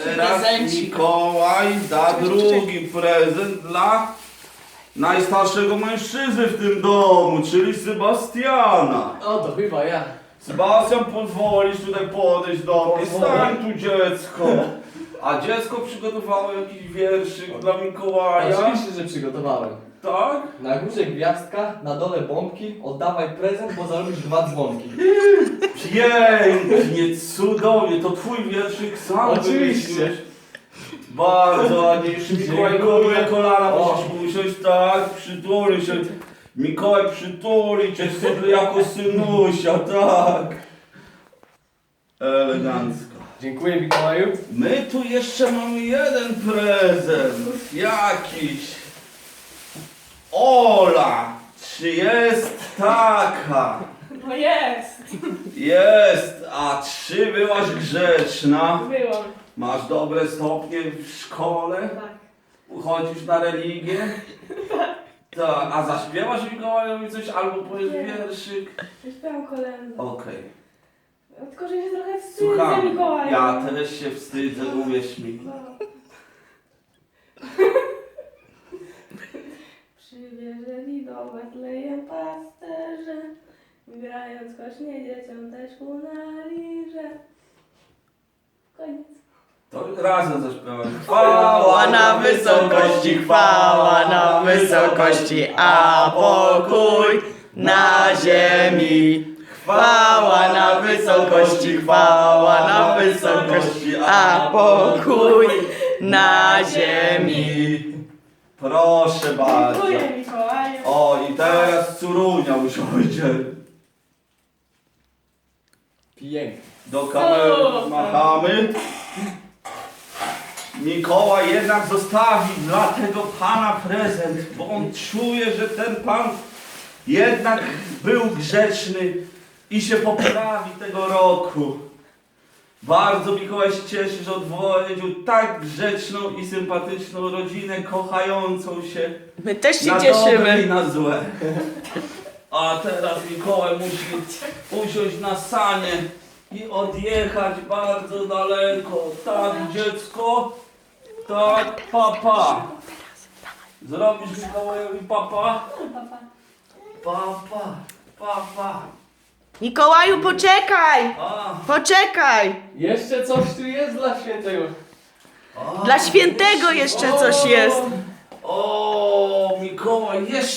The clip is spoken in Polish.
teraz prezencik. Mikołaj da drugi prezent dla najstarszego mężczyzny w tym domu, czyli Sebastiana. O, to chyba ja. Sebastian, pozwolisz tutaj podejść do mnie? Pozwolę. Stań tu, dziecko. A dziecko przygotowało jakiś wierszyk dla Mikołaja? Oczywiście, że przygotowałem. Tak? Na górze gwiazdka, na dole bombki, oddawaj prezent, bo zarobisz 2 dzwonki. Pięknie, cudownie, to twój wierszyk sam Oczywiście. wymyśliłeś. Bardzo ładnie, jeszcze Mikołajkowi na kolana O. musisz usiąść, tak, przytuli się. Mikołaj przytuli cię sobie jako synusia, tak. Elegancko. Dziękuję, Mikołaju. My tu jeszcze mamy jeden prezent, jakiś. Ola, czy jest taka? No jest! Jest, a czy byłaś grzeczna? Byłam. Masz dobre stopnie w szkole? Tak. Chodzisz na religię? Tak, a zaśpiewasz Mikołajowi coś albo powiesz Nie. wierszyk? Śpiewam kolędę. Okej. Tylko, że się trochę wstydzę Słucham, Mikołaja. ja też się wstydzę, uwierz mi. No. Przywieżeli do Betlejem pasterze, grając kośnie dzieciom też ku na lirze. Koniec. To razem zaśpiewamy. Chwała na wysokości, chwała na wysokości, a pokój na ziemi. Chwała na wysokości, chwała na wysokości, a pokój na ziemi. Proszę bardzo. Dziękuję Mikołaju. O, i teraz Curunia usiądzie. Pięknie. Do kamery Super. machamy. Mikołaj jednak zostawi dla tego pana prezent, bo on czuje, że ten pan jednak był grzeczny i się poprawi tego roku. Bardzo Mikołaj się cieszy, że odwiedził tak grzeczną i sympatyczną rodzinę, kochającą się My też się na dobre i cieszymy. na złe. A teraz Mikołaj musi usiąść na sanie i odjechać bardzo daleko. Tak, dziecko? Tak, papa. Zrobisz Mikołajowi papa? Papa. Papa, papa. Mikołaju, poczekaj! A, Poczekaj! Jeszcze coś tu jest dla świętego. a. Dla świętego jeszcze coś jest. O, Mikołaj, jeszcze